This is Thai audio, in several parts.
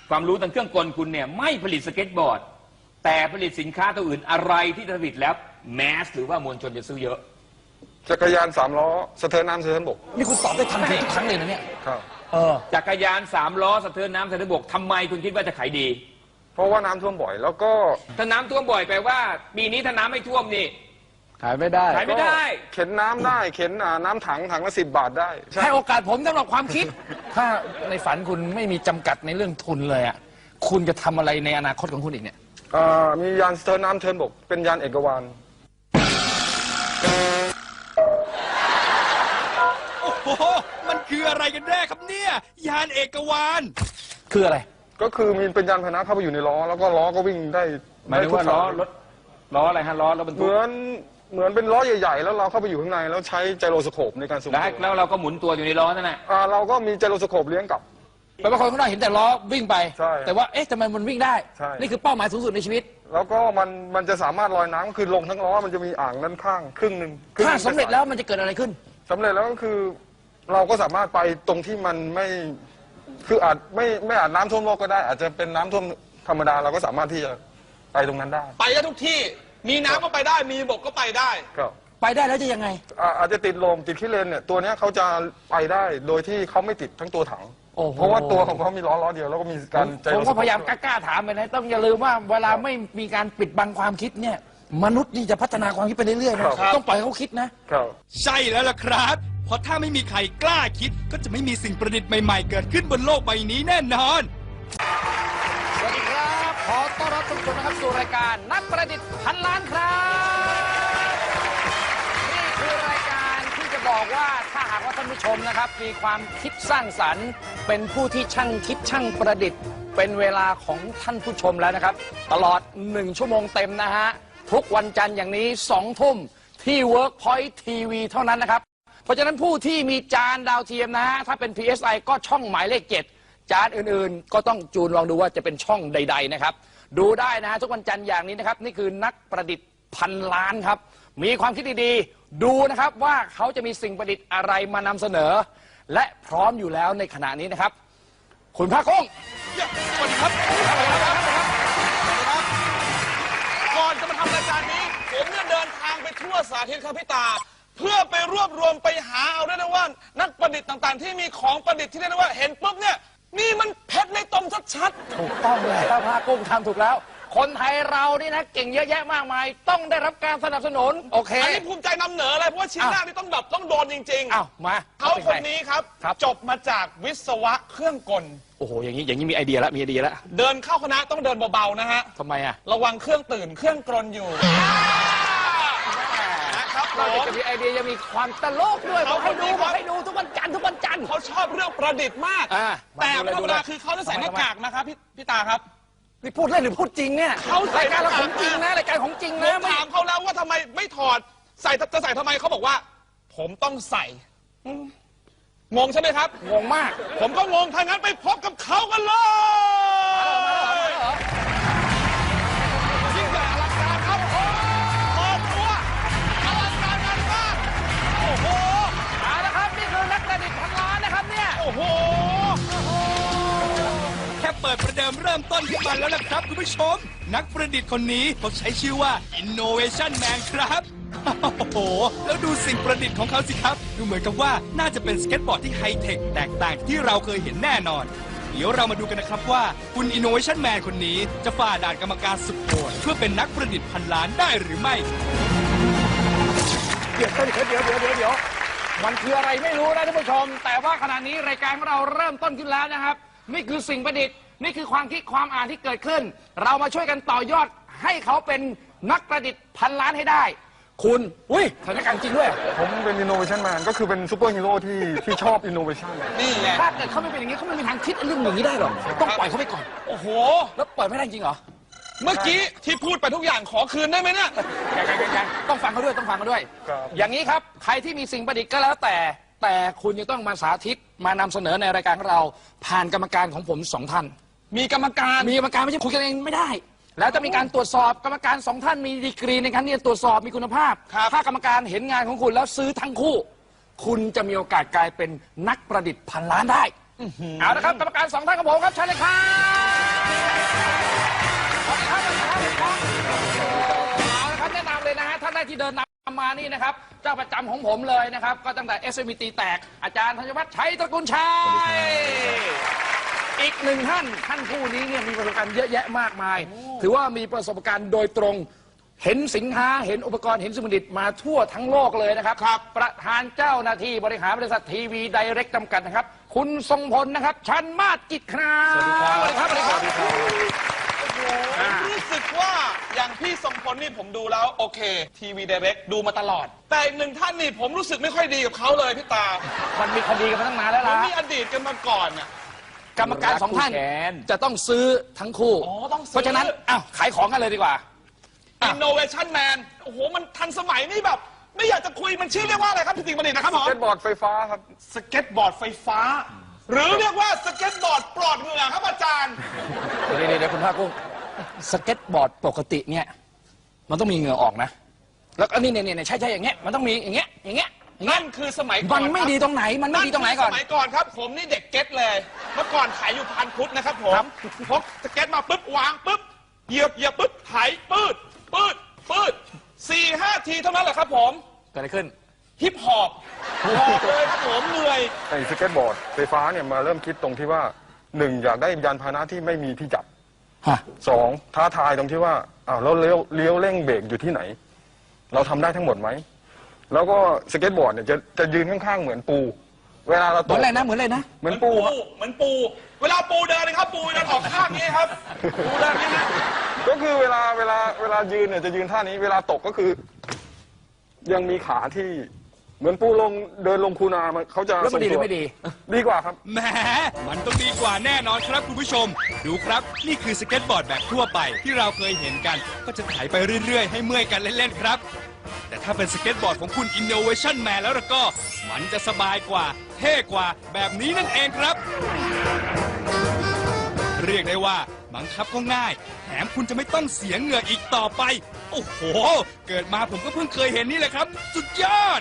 ความรู้ทางเครื่องกลคุณเนี่ยไม่ผลิตสเก็ตบอร์ดแต่ผลิตสินค้าตัวอื่นอะไรที่ผลิตแล้วแมสหรือว่ามวลชนจะซื้อเยอะจักรยาน3 ล้อสะเทินน้ำสะเทินบกนี่คุณตอบได้ทันทีทุกครั้งเลยนะเนี่ยครับจักรยาน3 ล้อสะเทินน้ำสะเทินบกทำไมคุณคิดว่าจะขายดีเพราะว่าน้ำท่วมบ่อยแล้วก็ถ้าน้ำท่วมบ่อยแปลว่าปีนี้ถ้าน้ำไม่ท่วมนี่ขายไม่ได้เข็นน้ำได้เข็นน้ำถังละ10 บาทได้ให้โอกาสผมสำหรับความคิดถ้าในฝันคุณไม่มีจำกัดในเรื่องทุนเลยอ่ะคุณจะทำอะไรในอนาคตของคุณอีกเนี่ยมียานสะเทินน้ำสะเทินบกเป็นยานเอกวานโอ้โหมันคืออะไรกันแน่ครับเนี่ยยานเอกวานคืออะไรก็คือมีเป็นยานพาหนะเข้าไปอยู่ในล้อแล้วก็ล้อก็วิ่งได้หมายถึงว่าล้ออะไรฮะล้อบรรทุกเหมือนเป็นล้อใหญ่ๆแล้วเราเข้าไปอยู่ข้างในแล้วใช้ไจโรสโคปในการสูงแล้วเราก็หมุนตัวอยู่ในล้อนั่นแหละเราก็มีไจโรสโคปเลี้ยงกลับแปลว่าคนข้างนอกเห็นแต่ล้อวิ่งไปแต่ว่าเอ๊ะทำไมมันวิ่งได้นี่คือเป้าหมายสูงสุดในชีวิตแล้วก็มันจะสามารถลอยน้ำคือลงทั้งล้อมันจะมีอ่างด้านข้างครึ่งหนึ่งถ้าสำเร็จแล้วมันจะเกิดอะไรขึ้นสำเร็จแล้วก็คือเราก็สามารถไปตรงที่มันไม่คืออาจไม่อาจน้ำท่วมโลกก็ได้อาจจะเป็นน้ำท่วมธรรมดาเราก็สามารถที่จะไปตรงนั้นได้ไปได้ทุกที่มีน้ำก็ไปได้มีบกก็ไปได้ครับไปได้แล้วจะยังไงอาจจะติดลมติดขี้เลนเนี่ยตัวนี้เขาจะไปได้โดยที่เขาไม่ติดทั้งตัวถังเพราะว่าตัวของเขามีล้อเดียวแล้วก็มีการผมก็พยายามกล้าถามไปนะต้องอย่าลืมว่าเวลาไม่มีการปิดบังความคิดเนี่ยมนุษย์นี่จะพัฒนาความคิดไปเรื่อยๆนะต้องปล่อยเขาคิดนะใช่แล้วล่ะครับเพราะถ้าไม่มีใครกล้าคิดก็จะไม่มีสิ่งประดิษฐ์ใหม่ๆเกิดขึ้นบนโลกใบนี้แน่นอนสวัสดีครับขอต้อนรับทุกคนนะครับสู่รายการนักประดิษฐ์พันล้านครับนี่คือรายการที่จะบอกว่าถ้าหากว่าท่านผู้ชมนะครับมีความคิดสร้างสรรค์เป็นผู้ที่ช่างคิดช่างประดิษฐ์เป็นเวลาของท่านผู้ชมแล้วนะครับตลอด1 ชั่วโมงเต็มนะฮะทุกวันจันทร์อย่างนี้2 ทุ่มที่ Workpoint TV เท่านั้นนะครับเพราะฉะนั้นผู้ที่มีจานดาวเทียมนะฮะถ้าเป็น PSI ก็ช่องหมายเลข 7จานอื่นๆก็ต้องจูนลองดูว่าจะเป็นช่องใดๆนะครับดูได้นะฮะทุกวันจันทร์อย่างนี้นะครับนี่คือนักประดิษฐ์พันล้านครับมีความคิดดีๆดูนะครับว่าเขาจะมีสิ่งประดิษฐ์อะไรมานำเสนอและพร้อมอยู่แล้วในขณะนี้นะครับคุณพระกุ้งสวัสดีครับก่อนจะมาทำรายการนี้ผมเนี่ยเดินทางไปทั่วสาธิตครับพี่ตาเพื่อไปรวบรวมไปหาเอาได้นะว่านักประดิษฐ์ต่างๆที่มีของประดิษฐ์ที่ได้นะว่าเห็นปุ๊บเนี่ยนี่มันเพชรในตมชัดๆถูกต้องเลยพระกุ้งทำถูกแล้วคนไทยเรานี่นะเก่งเยอะแยะมากมายต้องได้รับการสนับสนุนโอเคอันนี้ภูมิใจนำเหนือเลยเพราะว่าชิ้นแรกนี่ต้องโดนจริงๆอ้าวมาเขาคนนี้ครับจบมาจากวิศวะเครื่องกลโอ้โหอย่างนี้มีไอเดียแล้วเดินเข้าคณะต้องเดินเบาๆนะฮะทำไมอะระวังเครื่องตื่นเครื่องกลนอยู่เราจะมีไอเดียจะมีความตลกด้วยบอกให้ดูทุกวันจันทร์เขาชอบเรื่องประดิษฐ์มากแต่ธรรมดาคือเขาจะใส่หน้ากากนะครับพี่ตาครับนี่พูดเล่นหรือพูดจริงเนี่ยรายการเราของจริงนะรายการของจริงนะถามเขาแล้วว่าทำไมไม่ถอดจะใส่ทำไมเขาบอกว่าผมต้องใส่งงใช่ไหมครับงงมากผมก็งงถ้างั้นไปพบกับเขากันเลยยิ่งใหญ่อลังการครับเปิดตัวอลังการงานมากโอ้โหเอาละครับนี่คือนักประดิษฐ์พันล้านนะครับเนี่ยโอ้โหแค่เปิดประเดิมเริ่มต้นขึ้นมาแล้วนะครับคุณผู้ชมนักประดิษฐ์คนนี้เขาใช้ชื่อว่า Innovation Man ครับโอ้โหแล้วดูสิ่งประดิษฐ์ของเขาสิครับดูเหมือนกับว่าน่าจะเป็นสเก็ตบอร์ดที่ไฮเทคแตกต่างที่เราเคยเห็นแน่นอนเดี๋ยวเรามาดูกันนะครับว่าคุณ Innovation Man คนนี้จะฝ่าด่านกรรมการสุดโหดเพื่อเป็นนักประดิษฐ์พันล้านได้หรือไม่เดี๋ยวมันคืออะไรไม่รู้นะท่านผู้ชมแต่ว่าขณะนี้รายการของเราเริ่มต้นขึ้นแล้วนะครับนี่คือสิ่งประดิษฐ์นี่คือความคิดความอ่านที่เกิดขึ้นเรามาช่วยกันต่อยอดให้เขาเป็นนักประดิษฐ์พันล้านให้ได้คุณสถานการณ์จริงด้วยผมเป็น Innovation Man ก็คือเป็นซูเปอร์ฮีโร่ที่ชอบ Innovation นี่แหละถ้าเกิดเขาไม่เป็นอย่างนี้เขาไม่มีทางคิดเรื่องอย่างนี้ได้หรอกต้องปล่อยเขาไปก่อนโอ้โหแล้วปล่อยไม่ได้จริงเหรอเมื่อกี้ที่พูดไปทุกอย่างขอคืนได้ไหมเนี่ยยังต้องฟังเขาด้วยอย่างนี้ครับใครที่มีสิ่งประดิษฐ์ก็แล้วแต่คุณจะต้องมาสาธิตมานำเสนอในรายการของเราผ่านกรรมการของผม2 ท่านมีกรรมการไม่ใช่คุยกันเองไม่ได้แล้วจะมีการตรวจสอบกรรมการ2 ท่านมีดีกรีในการที่จะตรวจสอบมีคุณภาพถ้ากรรมการเห็นงานของคุณแล้วซื้อทั้งคู่คุณจะมีโอกาสกลายเป็นนักประดิษฐ์พันล้านได้เอาละครับกรรมการ2 ท่านของผมครับเชิญเลยครับแรกที่เดินนำมานี่นะครับเจ้าประจำของผมเลยนะครับก็ตั้งแต่ SMT แตกอาจารย์ธัญวัฒน์ชัยตระกูลชัยอีกหนึ่งท่านผู้นี้เนี่ยมีประสบการณ์เยอะแยะมากมาย ถือว่ามีประสบการณ์โดยตรงเห็นสินค้าเห็นอุปกรณ์เห็นสมุดิตมาทั่วทั้งโลกเลยนะครับประธานเจ้าหน้าที่บริหารบริษัททีวีไดเรกจำกัดนะครับคุณทรงพลนะครับชันมาศกิจครับสวัสดีครับสวัสดีครับผมรู้สึกว่าอย่างพี่ทรงพลนี่ผมดูแล้วโอเคทีวีไดเรกดูมาตลอด แต่อีกหนึ่งท่านนี่ผมรู้สึกไม่ค่อยดีกับเขาเลยพี่ตามันมีคดีกันมาตั้งนานแล้วผมล่ะมีอดีตกันมาก่อนน่ะกรรมการสองท่านแขนจะต้องซื้อทั้งคู่อ๋อต้องซื้อเพราะฉะนั้นอ้าวขายของกันเลยดีกว่า Innovation Man โอ้โหมันทันสมัยนี่แบบ ไม่อยากจะคุยมันชื่อเรียกว่าอะไรครับพี่ติ๋งบัณฑิตนะครับผมสเก็ตบอร์ดไฟฟ้าครับสเก็ตบอร์ดไฟฟ้า หรือเรียกว่าสเก็ตบอร์ดปลอดเหงื่อครับอาจารย์เดี๋ยวคุณภาคกุ้งสเก็ตบอร์ดปกติเนี่ยมันต้องมีเหงื่อออกนะแล้วก็นี่ใช่อย่างเงี้ยมันต้องมีอย่างเงี้ยนั่นคือสมัยก่อนมันไม่ดีตรงไหนมันไม่ดีตรงไหนก่อนสมัยก่อนครับ ผมนี่เด็กเก็ตเลย เมื่อก่อนขายอยู่พันพุทธนะครับผมพกสเก็ตมาปุ๊บวางปุ๊บเหยียบปุ๊บไถปืด4-5 ทีเท่านั้นแหละครับผมเกิดอะไรขึ้นฮิปฮอปหอบเลยครับผมเหนื่อยไอ้สเก็ตบอร์ดไฟฟ้าเนี่ยมาเริ่มคิดตรงที่ว่าหนึ่งอยากได้ยานพาหนะที่ไม่มีที่จับฮะสองท้าทายตรงที่ว่าอ้าวแล้วเลี้ยวเร่งเบรกอยู่ที่ไหน เราทำได้ทั้งหมดไหมแล้วก็สเก็ตบอร์ดเนี่ยจะยืนข้างๆเหมือนปู เวลาเราเหตมือก นอะไรนะเหมือนอะไรนะเหมือนปูครับเหมือนปู เวลาปูเดินนะครับปูเดินออกข้างนี้ครับปูเดินนี้นะก็คือเวลายืนเนี่ยจะยืนท่านี้เวลาตกก็คือ ยังมีขาที่เหมือนปูเดินลงคูนามันเขาจะแล้วมันดีหรือไม่ดีดีกว่าครับแหมมันต้องดีกว่าแน่นอนครับคุณผู้ชม ดูครับ นี่คือสเก็ตบอร์ดแบบทั่วไปที่เราเคยเห็นกัน ก็จะไถไปเรื่อยๆ ให้เมื่อยกันเล่นๆครับ แต่ถ้าเป็นสเก็ตบอร์ดของคุณ Innovation Man แล้วก็ มันจะสบายกว่า เท่กว่าแบบนี้นั่นเองครับ เรียกได้ว่าบังคับก็ง่าย แถมคุณจะไม่ต้องเสียเหงื่ออีกต่อไป โอ้โห เกิดมาผมก็เพิ่งเคยเห็นนี่แหละครับ สุดยอด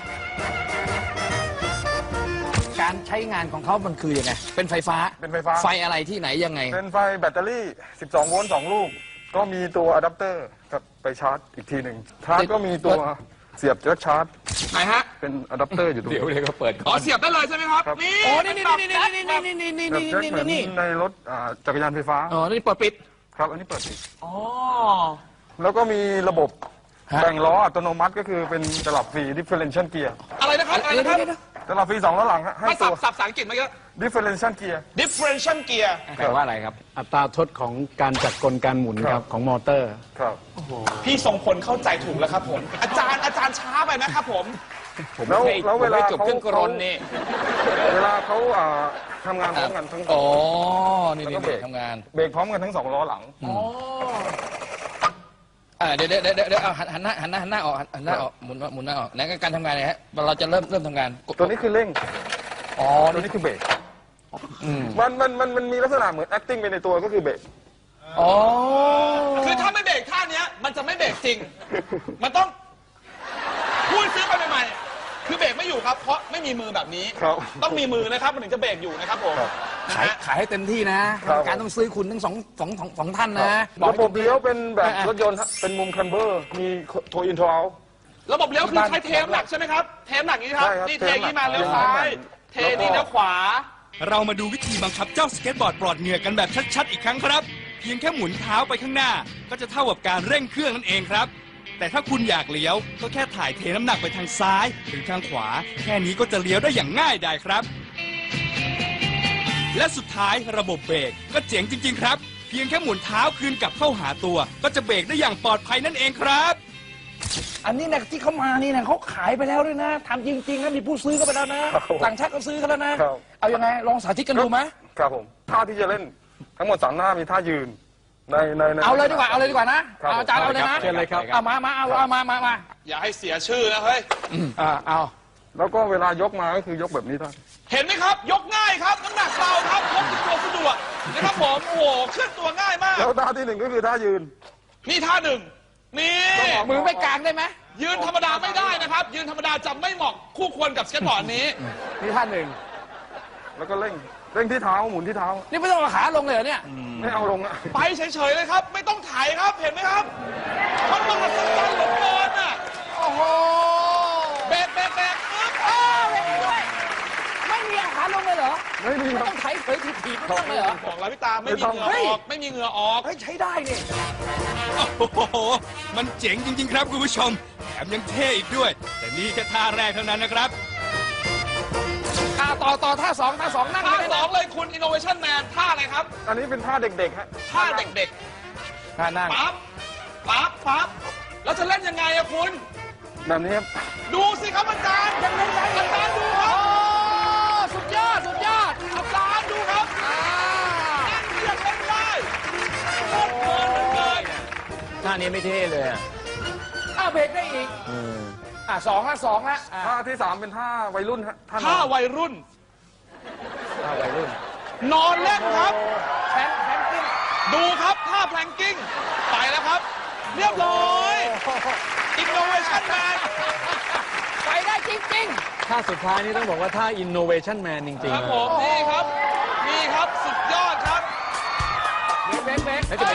การใช้งานของเขามันคือยังไงเป็นไฟฟ้าเป็นไฟฟ้าไฟอะไรที่ไหนยังไงเป็นไฟแบตเตอรี่ 12 โวลต์ 2 ลูก ก็มีตัวอะแดปเตอร์กับไปชาร์จอีกทีหนึ่งชาร์จก็มีตัวเสียบแจ็คชาร์จไหนฮะเป็นอะแดปเตอร์อยู่ตรงเดี๋ยวนี้ก็เปิดอ๋อเสียบได้เลยใช่ไหมครับครับนี่โอ้นี่แบบแจ็คเหมือนในรถจักรยานไฟฟ้าอ๋อนี่เปิดปิดครับ อันนี้เปิดปิดอ๋อแล้วก็มีระบบฮะแบ่งล้ออัตโนมัติก็คือเป็นตลับฟรี differential gear อะไรนะครับอะไรนะครับตลับฟรี2ล้อหลังฮะให้มาตัสัวบภาษาอังกฤษมาเยอะ differential gear differential gear แปลว่าอะไรครับอัตราทดของการจัดกลการหมุนคครัรับ บของมอเตอร์ครับพี่ทรงพลเข้าใจถูกแล้วครับผม อาจารย์ช้าไปนะครับผมแล้วให้แล้วเวลาจบเครื่องกรนนี่เวลาเขาทำงานพร้อมกันทั้งอ๋อนี่แล้วก็เบรกทำงานเบรกพร้อมกันทั้ง2ล้อหลังเดี๋ยวเอาหันหน้าออกหันหน้าออกหมุนหน้าออกไหนการทำงานเนี่ยฮะเราจะเริ่มทำงานตัวนี้คือเร่งอ๋อตัวนี้คือเบรกอืมมันมีลักษณะเหมือน acting ไปในตัวก็คือเบรกอ๋อคือถ้าไม่เบรกท่าเนี้ยมันจะไม่เบรกจริง มันต้องพูดซื้อไปใหม่ๆคือเบรกไม่อยู่ครับ เพราะไม่มีมือแบบนี้ครับต้องมีมือนะครับมันถึงจะเบรกอยู่นะครับผมครับนะขายฮะขายให้เต็มที่นะครับ การต้องซื้อคุณทั้งสองท่านนะระบบเลี้ยวเป็นแบบรถยนต์ฮะเป็นมุมคันเบอร์ มีโทอินโทเอาระบบเลี้ยวคือใช้เทมหลักใช่ไหมครับ เทมหลักนี้ครับใช่ครับนี่เทอย่างนี้มาเทเลี้ยวมหลักซ้าย เทนี่เลี้ยวขวาเรามาดูวิธีบังคับเจ้าสเก็ตบอร์ดปลอดเหงื่อกันแบบชัดๆอีกครั้งครับ เพียงแค่หมุนเท้าไปข้างหน้า ก็จะเท่ากับการเร่งเครื่องนั่นเองครับ แต่ถ้าคุณอยากเลี้ยวก็แค่ถ่ายเทน้ำหนักไปทางซ้ายหรือทางขวา แค่นี้ก็จะเลี้ยวได้อย่างง่ายดายครับ และสุดท้ายระบบเบรกก็เจ๋งจริง ๆ ครับ เพียงแค่หมุนเท้าคืนกลับเข้าหาตัว ก็จะเบรกได้อย่างปลอดภัยนั่นเองครับอันนี้นะที่เขามานี่นะเขาขายไปแล้วด้วยนะทำจริงๆนะมีผู้ซื้อก็ไปแล้วนะครับ ต่างชาติก็ซื้อกันแล้วนะครับ เอายังไงลองสาธิตกันดูไหมครับผม ท่าที่จะเล่นทั้งหมด3หน้ามีท่ายืน ในเอาเลยดีกว่านะครับ เอาอาจารย์เอาเลยนะเชิญเลยครับเอามาอย่าให้เสียชื่อนะเฮ้ยเอาแล้วก็เวลายกมาก็คือยกแบบนี้ได้เห็นไหมครับ ยกง่ายครับน้ำหนักเบาครับพกติดตัวสะดวกนะครับผม โอ้โหเคลื่อนตัวง่ายมากแล้วท่าที่1ก็คือท่ายืนนี่ท่าหนึ่งนี่มือไม่กลางได้ไหมยืนธรรมดาไม่ได้นะครับ ยืนธรรมดาจะไม่เหมาะคู่ควรกับสเก็ตบอร์ดนี้นี่ท่านหนึ่งแล้วก็เร่งที่เท้าหมุนที่เท้านี่ไม่ต้องเอาขาลงเลยเหรอเนี่ยไม่เอาลงอะไปเฉยๆเลยครับ ไม่ต้องถ่ายครับ เห็นไหมครับมันมหัศจรรย์เหลือเกินอ่ะโอ้อ้โหเบรกปึ๊บไม่มีอาหารลงเลยเหรอไม่มีไม่ครัต้บองไถเผยถีบๆไม่ต้องเลยเหรอบอกแล้วพี่ตาไม่มีเหงื่อออกไม่มีเหงื่อออกเฮ้ยใช้ได้นี่โอ้โห มันเจ๋งจริง ๆ ครับคุณผู้ชม แถมยังเท่อีกด้วย แต่นี่แค่ท่าแรกเท่านั้นนะครับต่อท่าสองนั่งท่าเลยสองเลยคุณ Innovation Man ท่าอะไรครับอันนี้เป็นท่าเด็กๆฮะท่าเด็กท่านั่งๆปั๊บแล้วจะเล่นยังไงอะคุณแบบนี้ครับดูสิครับอาจารย์อาจารย์ดูครับสุดยอดอาจารย์ดูครับนั่งเรียกเล่นได้โคตรเพลินเลยท่านี้ไม่เท่เลยอะเบรกได้อีกสองละท่าที่ 3 เป็นท่าวัยรุ่นฮะท่านท่าวัยรุ่นท่าวัยรุ่นนอนเล่นครับแพนกิ้งดูครับท่าแพลงกิ้งไปแล้วครับ เรียบร้อย Innovation Man ไปได้จริงท่าสุดท้ายนี่ต้องบอกว่าท่า innovation man จริงครับๆผมนี่ครับสุดยอดครับๆเบรก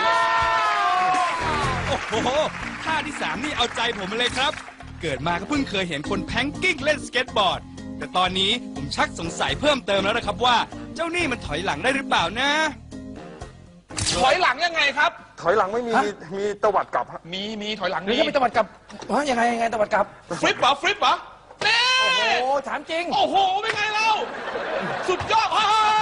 โอ้โห ท่าที่ 3 นี่เอาใจผมมาเลยครับ เกิดมาก็เพิ่งเคยเห็นคนแพงกิ้งเล่นสเก็ตบอร์ด แต่ตอนนี้ผมชักสงสัยเพิ่มเติมแล้วนะครับว่า เจ้านี่มันถอยหลังได้หรือเปล่านะถอยหลังยังไงครับถอยหลังไม่มีมีตวัดกลับฮะมีถอยหลังหรือมีจะไปตะวัดกลับยังไงตะวัดกลับฟลิปเหรอนี่โอ้ถามจริงโอ้โหเป็นไงเราสุดยอด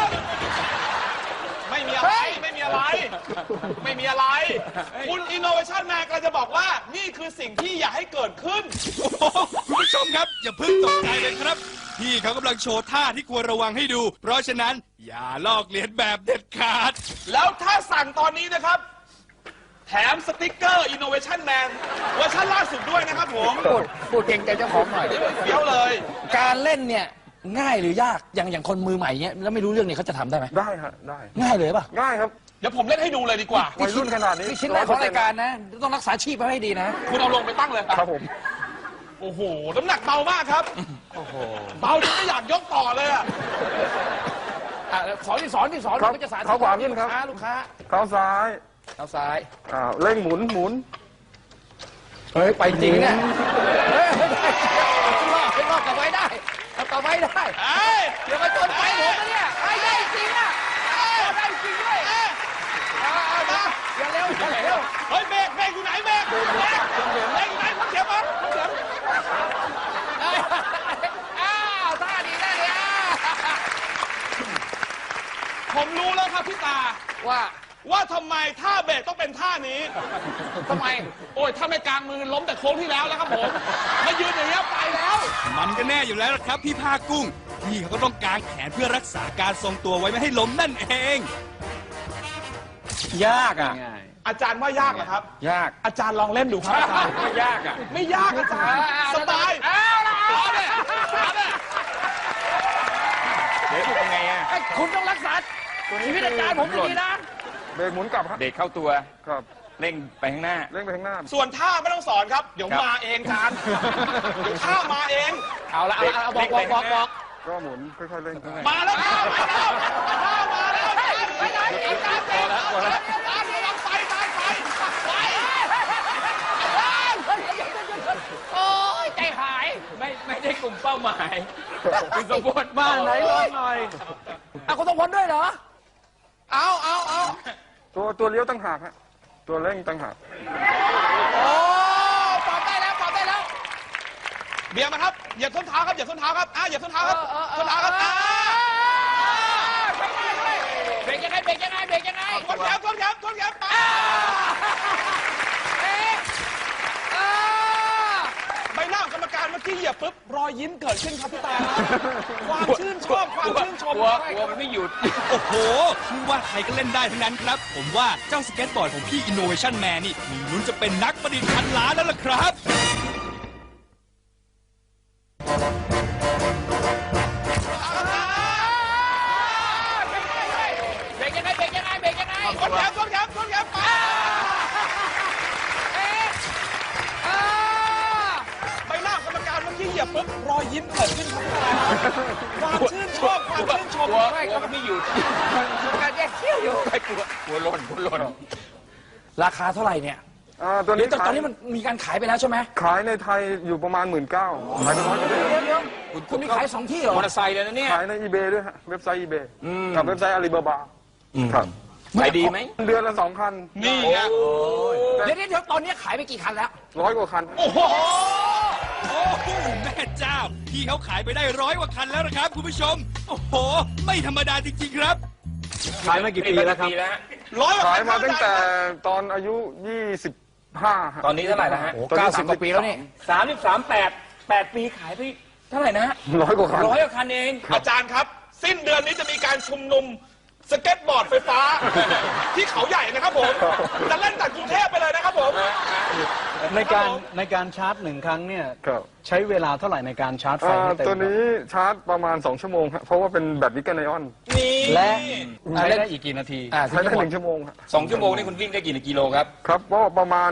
ไม่มีอะไรไม่มีอะไร คุณ Innovation Man กำลังจะบอกว่านี่คือสิ่งที่อยากให้เกิดขึ้นโอ้โหคุณผู้ชมครับ อย่าเพิ่งตกใจเลยครับ พี่เขากำลังโชว์ท่าที่ควรระวังให้ดู เพราะฉะนั้นอย่าลอกเลียนแบบเด็ดขาดแล้วถ้าสั่งตอนนี้นะครับ แถมสติ๊กเกอร์ Innovation Man เวอร์ชันล่าสุดด้วยนะครับผมพูดเก่งใจเจ้าของหน่อยเฟี้ยวเลยการเล่นเนี่ยง่ายหรือยากอย่างคนมือใหม่เนี่ยแล้วไม่รู้เรื่องเนี่ยเขาจะทำได้ไหมได้ฮะได้ง่ายเลยป่ะง่ายครับเดี๋ยวผมเล่นให้ดูเลยดีกว่าวัยรุ่นขนาดนี้นี่ชิ้นแรกของรายการนะ ต้องรักษาชีพไว้ให้ดีนะคุณเอาลงไปตั้งเลยครับผมโอ้โห น้ำหนักเบามากครับ เบาจนไม่อยากยกต่อเลยอะสอนที่สอนครับก็จะสาธิตเท้าขวาขึ้นครับลูกค้าเท้าซ้ายเท้าซ้ายเร่งหมุนเฮ้ยไปจริงเนี่ยเฮ้ยไม่รอดกลับไว้ได้กลับไว้ได้เอ้ยเดี๋ยวมาจนไปผมนะเนี่ยไปได้จริงอ่ะได้จริงด้วยอย่าเร็วเฮ้ยเบรกอยู่ไหนเบรกอยู่ไหนพักเสียงมั้งพักเสียงท่าดีผมรู้แล้วครับพี่ตาว่าทำไมท่าเบรกต้องเป็นท่านี้ทำไมโอ้ยถ้าไม่กลางมือล้มแต่โค้งที่แล้วแล้วครับผมมายืนอย่างนี้ยไปแล้วมันก็แน่อยู่แล้วล่ะครับพี่ผ้ากุ้ง พี่เขาก็ต้องกางแขนเพื่อรักษาการทรงตัวไว้ไม่ให้ล้มนั่นเองยากอ่ะง่ายอาจารย์ว่ายากเหรอครับยากอาจารย์ลองเล่นดูครับอาจารย์ไม่ยากอ่ะไม่ยากอาจารย์สบายเอาละเอาเนี่ยเอาเนี่ยเดี๋ยวเป็นไงอ่ะคุณต้องรักษาชีวิตอาจารย์ผมดีนะเบรกหมุนกลับฮะเด็กเข้าตัวครับเร่งไปข้างหน้าเร่งไปข้างหน้าส่วนท่าไม่ต้องสอนครับ เดี๋ยวครับมาเองอาจารย์เดี๋ยวท่ามาเองเอาละบอกก็หมุนค่อยๆเร่งมาแล้วท่ามาแล้วไปไหนอาจารย์เองอาจารย์ไปโอ้ยใจหายไม่ได้กลุ่มเป้าหมายคือสมบูรณ์บ้านไหนลองหน่อยคุณต้องพ้นด้วยเหรอ เอาตัวเลี้ยวตั้งหากฮะตัวเร่งตั้งหากโอ้ปรับได้แล้วเบียร์มาครับเหยียบส้นเท้าครับเหยียบส้นเท้าครับเหยียบส้นเท้าครับส้นเท้าครับเบรกยังไงทนแขนไปใบหน้าของกรรมการเมื่อกี้เหยียบปุ๊บรอยยิ้มเกิดขึ้นครับพี่ตาความชื่นชอบความชื่นชมกลัวมันไม่หยุดโอ้โหไม่ว่าใครก็เล่นได้ทั้งนั้นครับ ผมว่าเจ้าสเก็ตบอร์ดของพี่ Innovation Man นี่มีลุ้นจะเป็นนักประดิษฐ์พันล้านแล้วล่ะครับเบรกยังไงทนแขนไปใบหน้าของกรรมการเมื่อกี้เหยียบปุ๊บรอยยิ้มเกิดขึ้นครับพี่ตาความชื่นชอบความชื่นชมกลัวมันไม่หยุดการแยกเขี้ยวอยู่ไม่กลัวหล่นราคาเท่าไหร่เนี่ยตัวเดี๋นี้ยวตอนนี้มันมีการขายไปแล้วใช่ไหมขายในไทยอยู่ประมาณ 19,000ขายไป100กว่าเดี๋ยวคุณมีขายสองที่เหรอมอเตอร์ไซค์เลยนะเนี่ยขายใน eBay ด้วยฮะเว็บไซต์ eBay กับเว็บไซต์ Alibaba ครับขายดีไหมเดือนละ2 คันนี่ไงเดี๋ยวตอนนี้ขายไปกี่คันแล้ว 100 กว่าคันโอ้โหแม่เจ้า พี่เขาขายไปได้100 กว่าคันแล้วนะครับคุณผู้ชม โอ้โห ไม่ธรรมดาจริงๆครับขายมากี่ปีแล้วครับร้อยกว่าขายคันมาตั้งแต่ตอนอายุ 25ฮะตอนนี้เท่าไหร่นะฮะโอ้90 กว่าปีแล้วนี่ 8 ปีขายไปเท่าไหร่นะฮะ 100 กว่าคัน 100 กว่าคันเองอาจารย์ครับ สิ้นเดือนนี้จะมีการชุมนุมสเก็ตบอร์ดไฟฟ้า ที่เขาใหญ่นะครับผม จะเล่นจากกรุงเทพไปเลยนะครับผมในการชาร์จ1 ครั้งเนี่ยครับใช้เวลาเท่าไหร่ในการชาร์จไฟให้เต็มตัวนี้ชาร์จประมาณ 2 ชั่วโมงครับเพราะว่าเป็นแบตนิกเกิลไอออนนี่และใช้ได้อีกกี่นาทีใช้ได้1 ชั่วโมงครับ 2 ชั่วโมงนี่คุณวิ่งได้กี่กิโลครับครับก็ประมาณ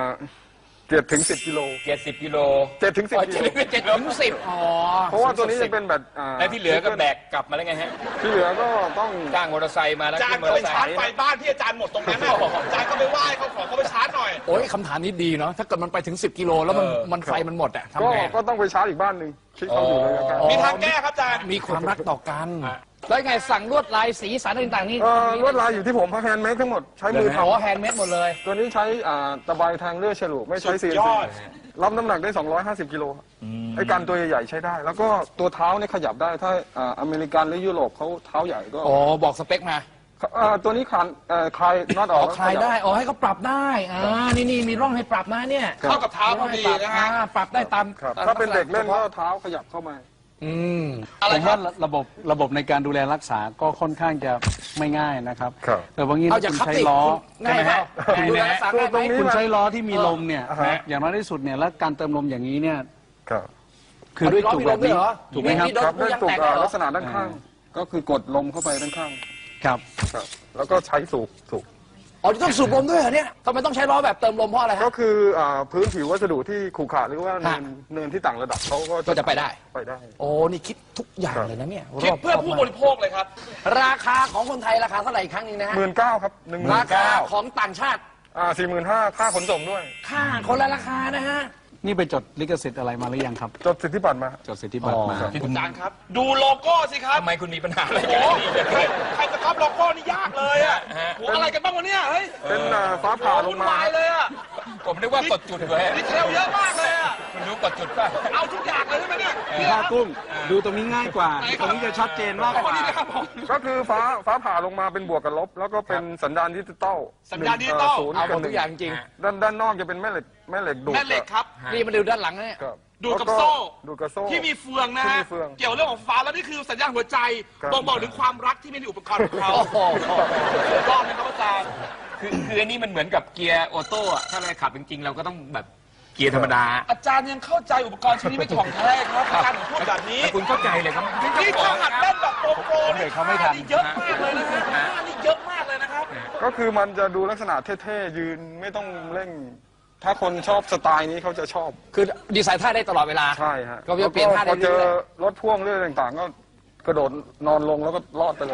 7 ถึง 10 กิโล 70 กิโล 7 ถึง 10 กิโล 7 ถึง 10อ๋อเพราะว่าตัวนี้จะเป็นแบตแล้วที่เหลือก็แบกกลับมาแล้วไงฮะที่เหลือก็ต้องจ้างมอเตอร์ไซค์มาแล้วอาจารขึ้ย์นมอก็เตไปอร์ไซชาร์จค์ไฟบ้านที่อาจารย์หมดตรงนั้นน่ะอาจารย์ก็ไปไหว้เขาขอเขาไปชาร์จหน่อยโอ้ยคำถามนี้ดีเนาะถ้าเกิดมันไปถึง 10 กิโลแล้วมันไฟมันหมดอะทำไงก็ต้องไปชาร์จอีกบ้านหนึ่งที่เขาอยู่เลยนะครับมีทางแก้ครับอาจารย์มีความรักต่อกัน แล้วไงสั่งลวดลายสีสันต่างๆนี่ลวดลายอยู่ที่ผมพักแฮนด์เมดทั้งหมดใช้มืออ๋อทำแฮนด์เมดหมดเลยตัวนี้ใช้ตะไบแทงเลื่อยฉลุไม่ใช้สุด CNC ยอดรับน้ำหนักได้ 250 กิโลไอ้การตัวใหญ่ๆใช้ได้ แล้วก็ตัวเท้าเนี่ยขยับได้ถ้าอเมริกันหรือยุโรปเขาเท้าใหญ่ก็อ๋อ บอกสเปคมาตัวนี้คลายน็อตออ๋ออก คลายได้ อ๋อ ให้เขาปรับได้ นี่มีร่องให้ปรับนะเนี่ยเข้ากับเท้าพอดีนะฮะปรับได้ตามครับถ้าเป็นเด็กเล่นก็เท้าขยับเข้ามาอืมผมว่าระบบในการดูแลรักษาก็ค่อนข้างจะไม่ง่ายนะครับครับแต่บางทีเอาถ้าจากคุณขับใช้ติล้อง่ายไหมง่ายดูไหมแลรักษาง่ายไหมตรงนี้คุณใช้ล้อที่มีลมเนี่ยอ่าฮะอย่างน้อยที่สุดเนี่ยแล้วการเติมลมอย่างนี้เนี่ยครับคือด้วยจุกแบบนี้ ถูกไหมครับมีโดนครับผู้ด้วยยังตุกแตกได้เหรอลักษณะด้านข้าง ก็คือกดลมเข้าไปด้านข้างครับครับแล้วก็ใช้สูบอ๋อต้องสูบลมด้วยเหรอเนี่ยทำไมต้องใช้ล้อแบบเติมลมเพราะอะไรก็ฮะคือพื้นผิววัสดุที่ขรุขระหรือว่าฮะเนินที่ต่างระดับเขาก็จะไปได้ไปได้โอ้ นี่คิดทุกอย่างเลยนะเนี่ยคิดเพื่อรบผู้มากบริโภคเลยครับราคาของคนไทยราคาเท่าไหร่อีกครั้งหนึงนะฮะ 19,000ครับราคา 19,000 ของต่างชาติ 45,000ค่าขนส่งด้วยค่าคนละราคานะฮะนี่ไปจดลิขสิทธิ์อะไรมาหรือยังครับจดสิทธิบัตรมาจดสิทธิบัตรมาอ๋ออาจารย์ครับ ดูโลโก้สิครับทำไมคุณมีปัญหาอะไรโอ้กันโหใครจะก๊อปโลโก้นี่ยากเลยอ่ะโหอะไรกันบ้างวะเนี่ยเฮ้ยเป็นฟ้าผ่าลวุ่งนมาวายเลยอ่ะผมนึกว่ากดจุดเลยดีเทลเยอะมากเลยอ่ะคุณรู้กดจุดป่ะเอาทุกอย่างเลยใช่ไหมเนี่ยเนี่ยผ้ากุ้ง ดูตรงนี้ง่ายกว่าไหนคตรับรงนี้จะชัดเจนมากกว่านี่นะครับผมก็คือฟ้าผ่าลงมาเป็นบวกกับลบ แล้วก็เป็นสัญญาณดิจิตอลสัญญาณดิจิตอลศูนย์เอาหมกับดหทุนึ่กอย่างจริงด้านนอกจะเป็นแม่เหล็กดูดแม่เหล็กครับนี่มาดูด้านหลังนะเนี่ยครับดูดกับแล้วโซ่ดูดกับโซ่ที่มีเฟืองนะที่ฮะมีเฟืองเกี่ยวเรื่องของฟ้าแล้วนี่คือสัญญาณหัวใจครับบ่งบอกถึงความรักที่มีในอุปกรณ์ของเขาโอ้โหรอบนะครับอาจารย์คืออันนี้มันเหมือนกับเกียร์ออโต้อะถ้าเราขับจริงๆ เราก็ต้องแบบเกียร์ธรรมดาอาจารย์ยังเข้าใจอุปกรณ์ชิ้นนี้ไม่ถ่องแท้ครับอาจารย์ถึงพูดแบบนี้แต่คุณเข้าใจเลยครับนี่ถ้าหัดเล่นแบบโปรนี่เขาไม่ทันนี่เยอะมากเลยนะครับนี่เยอะมากเลยนะครับก็คือมันจะดูลักษณะเท่ๆยืนไม่ต้องเร่ง ถ้าคนชอบสไตล์นี้เขาจะชอบคือดีไซน์ท่าได้ตลอดเวลาใช่ฮะก็จะเปลี่ยนท่าได้พอเจอเรื่อยรถพ่วงเรื่องต่างๆ ก็กระโดดนอนลงแล้วก็รอดไปเลย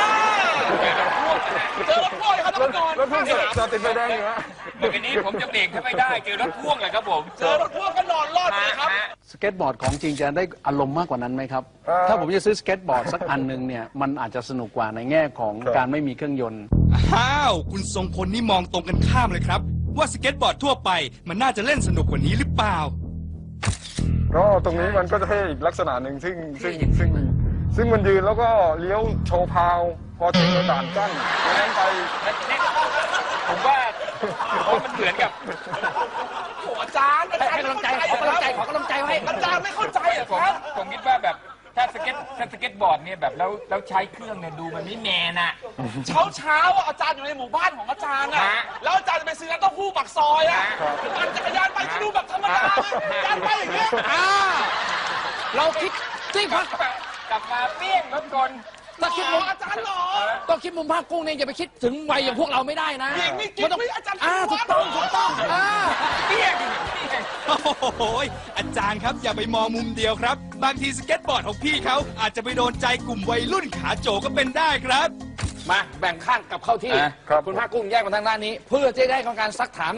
เจอรถพ่วงครับท่านผู้ชมรถพ่วงจอดติดไฟแดงอยู่ฮะเมื่อกี้นี้ผมจะเบรกถ้าไม่ได้เจอรถพ่วงเลยครับผมเจอรถพ่วงก็นอนรอดเลยครับสเก็ตบอร์ดของจริงจะได้อารมณ์มากกว่านั้นไหมครับ ถ้าผมจะซื้อสเก็ตบอร์ดสักอันหนึ่งเนี่ย มันอาจจะสนุกกว่าในแง่ของการไม่มีเครื่องยนต์อ้าว คุณทรงพลนี่มองตรงกันข้ามเลยครับ ว่าสเก็ตบอร์ดทั่วไปมันน่าจะเล่นสนุกกว่านี้หรือเปล่าก็ตรงนี้มันก็จะเท่อีกลักษณะหนึ่งซึ่งมันยืนแล้วก็เลี้ยวโชว์พาว พอถึงด่านกั้นนั้นไปผมว่ามันเหมือนกับโอ้อาจารย์ๆให้กำลังใจขอกำลังใจขอกำลังใจไว้อาจารย์ไม่เข้าใจเหรอผมครับผมคิดว่าแบบถ้าสเก็ตบอร์ดเนี่ยแบบแล้วใช้เครื่องเนี่ยดูมันไม่แมนอะเช้าๆอ่ะอาจารย์อยู่ในหมู่บ้านของอาจารย์อ่ะฮะแล้วอาจารย์จะไปซื้อน้ำเต้าหู้ปักซอยอ่ะปั่นจักรยานไปก็ดูแบบธรรมดาอาจารย์ไปอย่างเงี้ยเราคิดที่พักกลับมาเปี้ยงรถกลถ้าคิดมุมอาจารย์หรอต้องคิดมุมภาคกุ้งเนี่ยอย่าไปคิดถึงวัยอย่างพวกเราไม่ได้นะหญิงนี่กิ๊กมันต้องไม่อาจารย์ถูกต้องเปี้ยงโอ้โหอาจารย์ครับอย่าไปมองมุมเดียวครับ บางทีสเก็ตบอร์ดของพี่เขาอาจจะไปโดนใจกลุ่มวัยรุ่นขาโจก็เป็นได้ครับมาแบ่งข้างกลับเข้าที่ครับคุณภาคกุ้งแยกมาทางด้านนี้ เพื่อจะได้ของการซักถาม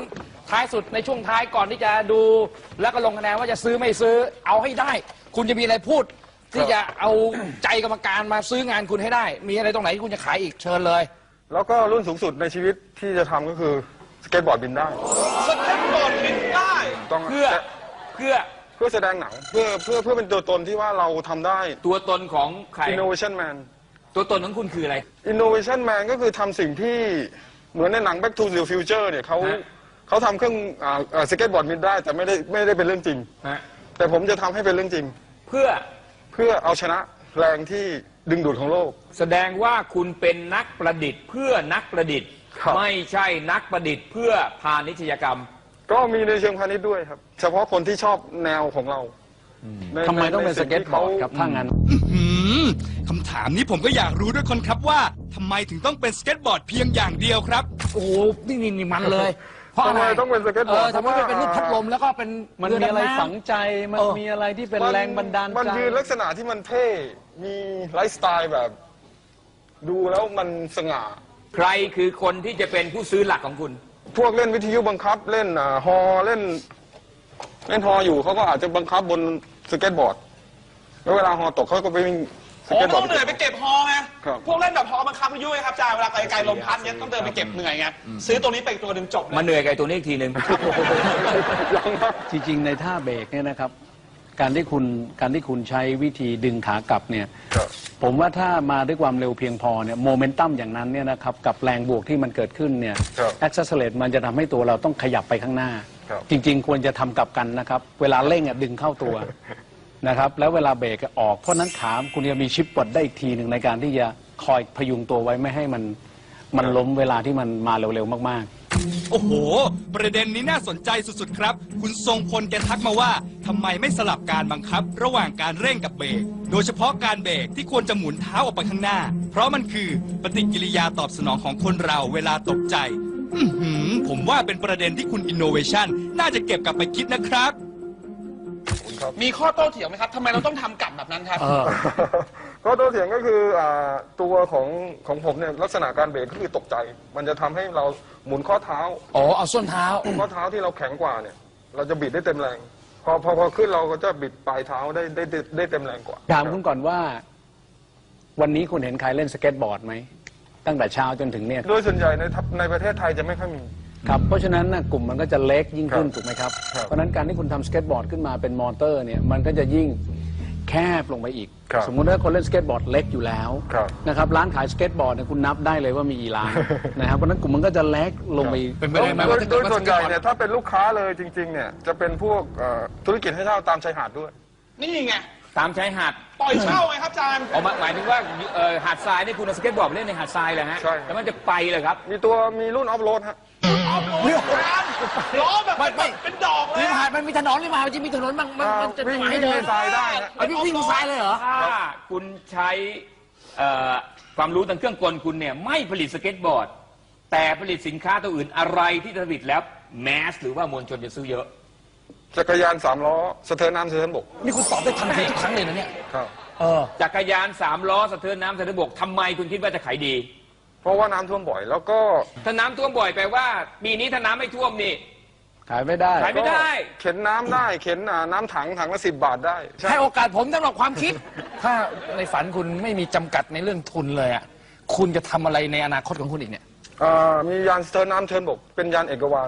ท้ายสุดในช่วงท้ายก่อนที่จะดูแล้วก็ลงคะแนนว่าจะซื้อไม่ซื้อเอาให้ได้ คุณจะมีอะไรพูด ที่จะเอาใจกรรมการมาซื้องานคุณให้ได้ มีอะไรตรงไหนที่คุณจะขายอีกเชิญเลยแล้วก็รุ่นสูงสุดในชีวิตที่จะทำก็คือสเก็ตบอร์ดบินได้สเก็ตบอร์ดบินได้ต้องเพื่อแสดงหนังเพื่อเป็นตัวตนที่ว่าเราทำได้ตัวตนของใคร Innovation Man ตัวตนของคุณคืออะไร Innovation Man ก็คือทำสิ่งที่เหมือนในหนัง Back to the Future เนี่ยเขาทำเครื่องสเก็ตบอร์ดบินได้แต่ไม่ได้เป็นเรื่องจริงฮะแต่ผมจะทำให้เป็นเรื่องจริงเพื่อเอาชนะแรงที่ดึงดูดของโลกแสดงว่าคุณเป็นนักประดิษฐ์เพื่อนักประดิษฐ์ครับไม่ใช่นักประดิษฐ์เพื่อพาณิชยกรรมก็มีในเชิงพาณิชย์ด้วยครับ เฉพาะคนที่ชอบแนวของเราในทำไมต้องเป็นในสสิ่เก็ตที่บอขาร์ดครับถ้างั้นคำถามนี้ผมก็อยากรู้ด้วยคนครับว่าทำไมถึงต้องเป็นสเก็ตบอร์ดเพียงอย่างเดียวครับโอ้โหนี่มันเลย เพราะอะไรทำไมต้องเป็นสเก็ตบอร์ดทำไมไม่เป็นรูปพัดลมแล้วก็เป็นมันเมีอะไรดำน้ำฝังใจ มันมีอะไรที่เป็นแรงบันดาลใจมันยืนลักษณะที่มันเท่ มีไลฟ์สไตล์แบบ ดูแล้วมันสง่าใครคือคนที่จะเป็นผู้ซื้อหลักของคุณพวกเล่นวิทยุบังคับเล่นฮอเล่นฮออยู่เขาก็อาจจะบังคับบนสเก็ตบอร์ด แล้วเวลาฮอตกเขาก็ไปวิ่งสโอ้เก็ตบอต้ร์อดงเหนื่อยไปเก็บฮอไงครับพวกเล่นแบบฮอบังคับพายุไงครับอาจารย์เวลาไกลๆลมพัดเนี้ยต้องเดินไปเก็บเหนื่อยไงซื้อตัวนี้ไปอีกตัวหนึ่งจบเลยมาเหนื่อยกับไอ้ตัวนี้อีกทีหนึ่งจริงๆ ในท่าเบรกเนี่ยนะครับ การที่คุณใช้วิธีดึงขากลับเนี่ยครับผมว่าถ้ามาด้วยความเร็วเพียงพอเนี่ยโมเมนตัมอย่างนั้นเนี่ยนะครับกับแรงบวกที่มันเกิดขึ้นเนี่ยครับแอคเซสเลตมันจะทำให้ตัวเราต้องขยับไปข้างหน้าครับจริงๆ ควรจะทำกลับกันนะครับ เวลาเร่งดึงเข้าตัวนะครับแล้วเวลาเบรกออกเพราะนั้นขาคุณจะมีชิปปลดได้อีกทีหนึ่งในการที่จะคอยพยุงตัวไว้ไม่ให้มันล้มเวลาที่มันมาเร็วๆมากๆโอ้โห ประเด็นนี้น่าสนใจสุดๆครับ คุณทรงพลแกทักมาว่าทำไมไม่สลับการบังคับ ระหว่างการเร่งกับเบรก โดยเฉพาะการเบรกที่ควรจะหมุนเท้าออกไปข้างหน้า เพราะมันคือปฏิกิริยาตอบสนองของคนเราเวลาตกใจ ผมว่าเป็นประเด็นที่คุณ Innovation น่าจะเก็บกลับไปคิดนะครับมีข้อโต้เถียงไหมครับทำไมเราต้องทำกลับแบบนั้นครับก็ตัวเถียงก็คือตัวของผมเนี่ยลักษณะการเบรกก็คือตกใจ มันจะทำให้เราหมุนข้อเท้าอ๋อเอาส้นเท้าข้อเท้าที่เราแข็งกว่าเนี่ย เราจะบิดได้เต็มแรง พอขึ้นเราก็จะบิดปลายเท้าได้เต็มแรงกว่าถามคุณก่อนว่า วันนี้คุณเห็นใครเล่นสเก็ตบอร์ดไหมตั้งแต่เช้าจนถึงเนี่ยโดยส่วนใหญ่ในประเทศไทยจะไม่ค่อยมีครับเพราะฉะนั้นกลุ่มมันก็จะเล็กยิ่งขึ้นครับถูกไหมครับครับเพราะฉะนั้นการที่คุณทำสเก็ตบอร์ดขึ้นมาเป็นมอเตอร์เนี่ยมันก็จะยิ่งแคบลงไปอีกครับสมมุติถ้าคนเล่นสเก็ตบอร์ดเล็กอยู่แล้วครับนะครับร้านขายสเก็ตบอร์ดเนี่ยคุณนับได้เลยว่ามีกี่ร้าน นะครับเพราะฉะนั้นกลุ่มมันก็จะเล็กลงไปอีกเป็นไปได้ไหมว่าถ้าโดเกิดยว่าส่วนใหญ่เนี่ยถ้าเป็นลูกค้าเลยจริงๆเนี่ยจะเป็นพวกธุรกิจให้เช่าตามชายหาดด้วยนี่ไงตามชายหาดปล่อยเช่าไงครับอาจารย์เอาหมายถึงว่าหาดทรายนี่คุณเอาสเก็ตบอร์ดไปเล่นในหาดทรายเลยฮะใช่แล้วมันจะไปเลยครับมีรุ่นออฟโรดฮะเอาโอ้ยอาจารย์ล้อแบบไม่เป็นดอกเลยริมอะหาดมันมีถนนริมหาดมันจะมีถนนบางมันจะวิ่งให้เดินในทรายได้ฮะเอาวิ่งบนทรายเลยเหรอถ้าคุณใช้ความรู้ทางเครื่องกลคุณเนี่ยไม่ผลิตสเก็ตบอร์ด แต่ผลิตสินค้าตัวอื่นอะไรที่ผลิตแล้วแมสหรือว่ามวลชนจะซื้อเยอะจักรยาน3 ล้อสะเทินน้ำสะเทินบกนี่คุณตอบได้ทันทีทุกครั้งเลยนะเนี่ยครับจักรยาน3 ล้อสะเทินน้ำสะเทินบกทำไมคุณคิดว่าจะขายดีเพราะว่าน้ำท่วมบ่อย แล้วก็ถ้าน้ำท่วมบ่อยแปลว่าปีนี้ถ้าน้ำไม่ท่วมนี่ขายไม่ได้ขายไม่ได้เข็นน้ำได้เข็นน้ำถังละ10 บาทได้ใช่ให้โอกาสผมสำหรับความคิด ถ้าในฝันคุณไม่มีจำกัดในเรื่องทุนเลยอ่ะคุณจะทำอะไรในอนาคตของคุณอีกเนี่ยมียานสะเทินน้ำสะเทินบก เป็นยานเอกวาน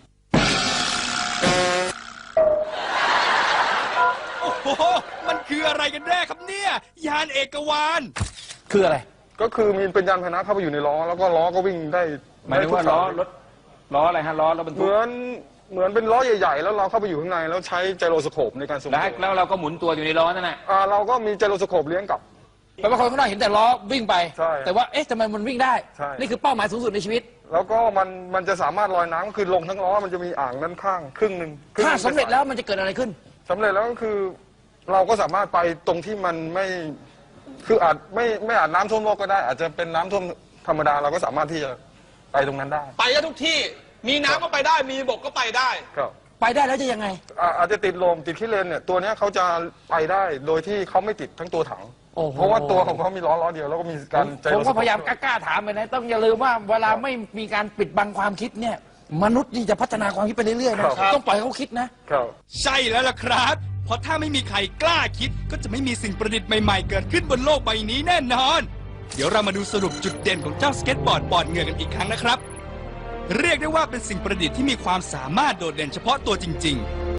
โอ้โห มันคืออะไรกันแน่ครับเนี่ย ยานเอกวานคืออะไรก็คือมีเป็นยานพาหนะเข้าไปอยู่ในล้อ แล้วก็ล้อก็วิ่งได้หมายถึงว่าได้ทุกล้อสยรถล้ออะไรฮะล้อรถบรรเหทุกมือนเป็นล้อใหญ่ๆ แล้วเราเข้าไปอยู่ข้างในแล้วใช้ไจโรสโคปในการทรงแล้วตัวแล้วเราก็หมุนตัวอยู่ในล้อนั่นแหละเราก็มีไจโรสโคปเลี้ยงกลับแปลว่าคนข้างนอกเห็นแต่ล้อวิ่งไปใช่แต่ว่าเอ๊ะทำไมมันวิ่งได้ใช่นี่คือเป้าหมายสูงสุดในชีวิตแล้วก็มันจะสามารถลอยน้ำคือลงทั้งล้อมันจะมีอ่างด้านข้างครึ่งหนึ่งถ้าสำเร็จแล้วมันจะเกิดอะไรขึ้นสำเร็จแล้วก็คือเราก็สามารถไปตรงที่มันไม่คืออาจไม่อาจน้ำท่วมโลกก็ได้ อาจจะเป็นน้ำท่วมธรรมดาเราก็สามารถที่จะไปตรงนั้นได้ไปได้ทุกที่ มีน้ำก็ไปได้ มีบกก็ไปได้ครับไปได้แล้วจะยังไงอาจจะติดลมติดขี้เลนเนี่ยตัวเนี้ยเขาจะไปได้โดยที่เขาไม่ติดทั้งตัวถังโอ้โหเพราะว่าตัวของเขามีล้อเดียวแล้วก็มีการใจผมรถก็พยายามกล้าๆถามไปนะต้องอย่าลืมว่าเวลาไม่มีการปิดบังความคิดเนี่ยมนุษย์นี่จะพัฒนาความคิดไปเรื่อยๆนะครับ ต้องปล่อยให้เขาคิดนะครับใช่แล้วล่ะครับ เพราะถ้าไม่มีใครกล้าคิด ก็จะไม่มีสิ่งประดิษฐ์ใหม่ๆ เกิดขึ้นบนโลกใบนี้แน่นอน เดี๋ยวเรามาดูสรุปจุดเด่นของเจ้าสเก็ตบอร์ดปอดเหงื่อกันอีกครั้งนะครับ เรียกได้ว่าเป็นสิ่งประดิษฐ์ที่มีความสามารถโดดเด่นเฉพาะตัวจริงๆ